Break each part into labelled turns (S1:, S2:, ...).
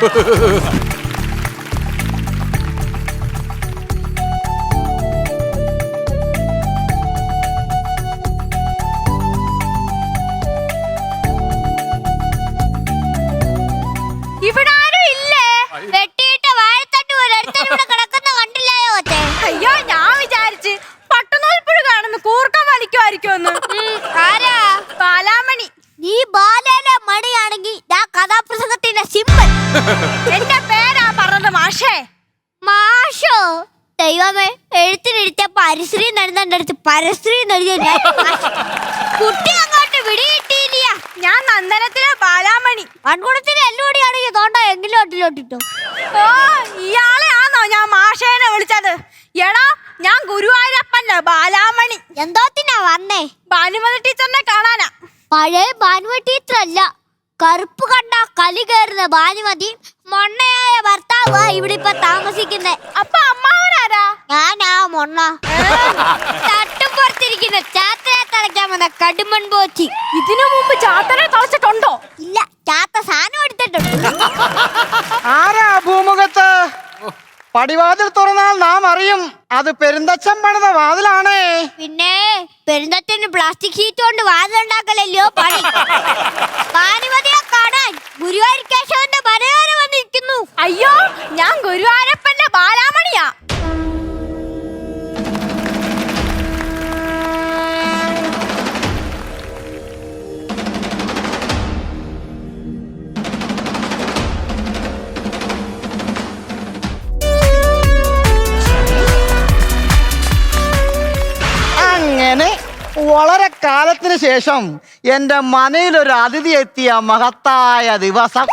S1: ഇവിടെ ആരും ഇല്ലേ? വെട്ടിയിട്ട വാഴത്തട്ട് പോലെ ഒരുത്തൻ ഇവിടെ കിടക്കുന്ന കണ്ടില്ലായോ? അയ്യോ, ഞാൻ വിചാരിച്ച് പട്ടുനൂൽപ്പുഴു കാണുന്നു കൂർക്കം വലിക്കുമായിരിക്കുമെന്ന്. ആരാ? ബാലാമണി. നീ ബാലയുടെ മണിയാണെങ്കിൽ ഞാൻ കഥാപ്രസംഗത്തിന്റെ സിമ്പൽ. എന്റെ പേരാ പറഞ്ഞത് മാഷേ. മാഷോ? ദൈവമേ, എഴുത്തിനെടുത്ത പരിശ്രീ നടന്നെ അടുത്ത് പരശ്രീ എഴുതിയ കുട്ടി അങ്ങോട്ട് വിടിയിട്ടില്ല. ഞാൻ നന്ദനത്തിലെ ബാലാമണി. മൺകുടത്തിന് എല്ലുപടിയാണെങ്കിൽ തോണ്ട എങ്കിലും ഒട്ടിലോട്ടിട്ടു. ഓ, ഇയാളെ ആണോ ഞാൻ മാഷേനെ വിളിച്ചത്? എടാ, ഞാൻ ഗുരുവായൂരപ്പന്റെ ബാലാമണി. എന്തോത്തിനാ വന്നേ? ഭാനുമതി ടീച്ചറിനെ കാണാനാ. പഴയ ഭാനുമതി ടീച്ചർ അല്ല, കറുപ്പ് കണ്ട കലി കയറുന്ന ഭാനുമതി മൊണ്ണയായ ഭർത്താവ് ഇവിടെ ഇപ്പൊ താമസിക്കുന്നേ. അപ്പൊ അമ്മാവനാരാ? ഞാനാ മൊണ്ണ. തട്ടുപുറത്തിരിക്കുന്ന ചാത്തനെ തളയ്ക്കാൻ വന്ന കടുമൺ പോച്ചി. ഇതിനു മുമ്പ് ചാത്തനെ തളച്ചിട്ടുണ്ടോ? ഇല്ല, ചാത്ത സാധനം എടുത്തിട്ടുണ്ട്.
S2: ആരാ ഭൂമുഖത്ത്? പടിവാതിൽ തുറന്നാൽ നാം അറിയും അത് പെരുന്തച്ഛൻ പണിത വാതിലാണേ.
S1: പിന്നെ പെരുന്തച്ഛന് പ്ലാസ്റ്റിക് ഷീറ്റ് കൊണ്ട് വാതിലുണ്ടാക്കലല്ലോ പണി. ഭാനുമതിയെ കാണാൻ ഗുരുവായൂർ കേശവന്റെ പനയോരം വന്നിരിക്കുന്നു. അയ്യോ, ഞാൻ ഗുരുവായൂരപ്പന്റെ ബാലാമണിയാ.
S2: അങ്ങനെ വളരെ കാലത്തിന് ശേഷം എന്റെ മനയിലൊരു അതിഥി എത്തിയ മഹത്തായ ദിവസം.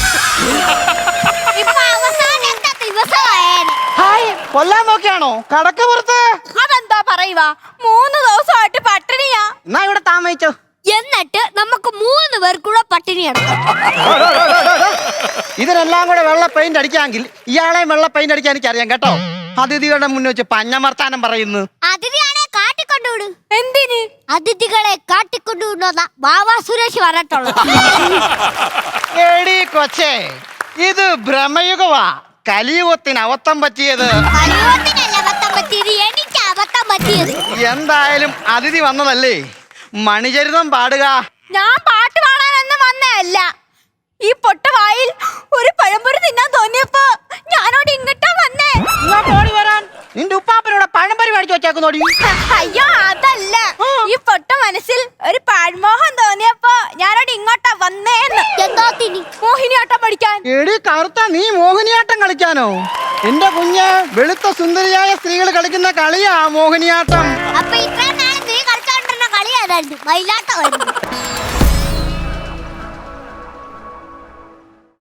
S2: ഹായ്, കൊല്ലാൻ നോക്കിയാണോ കടക്ക് പുറത്ത്?
S1: അതെന്താ പറയുക, 3 ദിവസമായിട്ട് പട്ടിണിയാ.
S2: എന്നാ ഇവിടെ താമസിച്ചോ.
S1: എന്നിട്ട് നമുക്ക് 3 പേർക്കൂടെ പട്ടിണി എടുക്കാം.
S2: ഇതിനെല്ലാം കൂടെ വെള്ള പെയിന്റ് അടിക്കാമെങ്കിൽ ഇയാളെയും വെള്ള പെയിന്റ് അടിക്കാൻ എനിക്കറിയാം കേട്ടോ. അതിഥികളുടെ മുന്നിൽ വെച്ച് പഞ്ഞമർത്താനം പറയുന്നു.
S1: അതിഥിയാണെ കാട്ടിക്കൊണ്ടുവിട്. എന്തിന്? അതിഥികളെ കാട്ടിക്കൊണ്ടുവിടുന്ന ബാബാ സുരേഷ് പറഞ്ഞിട്ടുള്ളു.
S2: എടി കൊച്ചേ, ഇത് ഭ്രമയുഗവാ. കലിയുഗത്തിന് അബദ്ധം പറ്റിയത്.
S1: കലിയുഗത്തിനല്ല അബദ്ധം പറ്റിയത്, എനിക്ക് അബദ്ധം പറ്റിയത്.
S2: എന്തായാലും അതിഥി വന്നതല്ലേ, മണിചരിതം പാടുക.
S1: ഞാൻ പാട്ട് പാടാനൊന്നും വന്നതല്ല. ഈ പൊട്ടവായിൽ ഒരു പഴംപൊരി തിന്നാൻ തോന്നിയപ്പോ ഞാനോട് ഇങ്ങോട്ടാ വന്നേ.
S2: ഓടി വരാൻ നിന്റെ ഉപ്പാപ്പനോട് പഴംപൊരി മേടിച്ചു വെച്ചേക്കുന്നോടി.
S1: അയ്യോ, അതല്ല, ഈ പൊട്ട മനസ്സിൽ ഒരു പാഴ്മോഹം തോന്നിയപ്പോ ഞാനോട് ഇങ്ങോട്ടാ വന്നേന്ന്. എന്താ മോഹിനിയാട്ടം പഠിക്കാൻ?
S2: എടി കറുത്ത, നീ മോഹിനിയാട്ടം കളിക്കാനോ? എന്റെ കുഞ്ഞ്, വെളുത്ത സുന്ദരിയായ സ്ത്രീകൾ കളിക്കുന്ന കളിയാ മോഹിനിയാട്ടം.
S1: അപ്പൊ ഇത്രയും നാളെ നീ കളിച്ചോണ്ടിരുന്ന കളിയായിരുന്നു മയിലാട്ടമായിരുന്നു.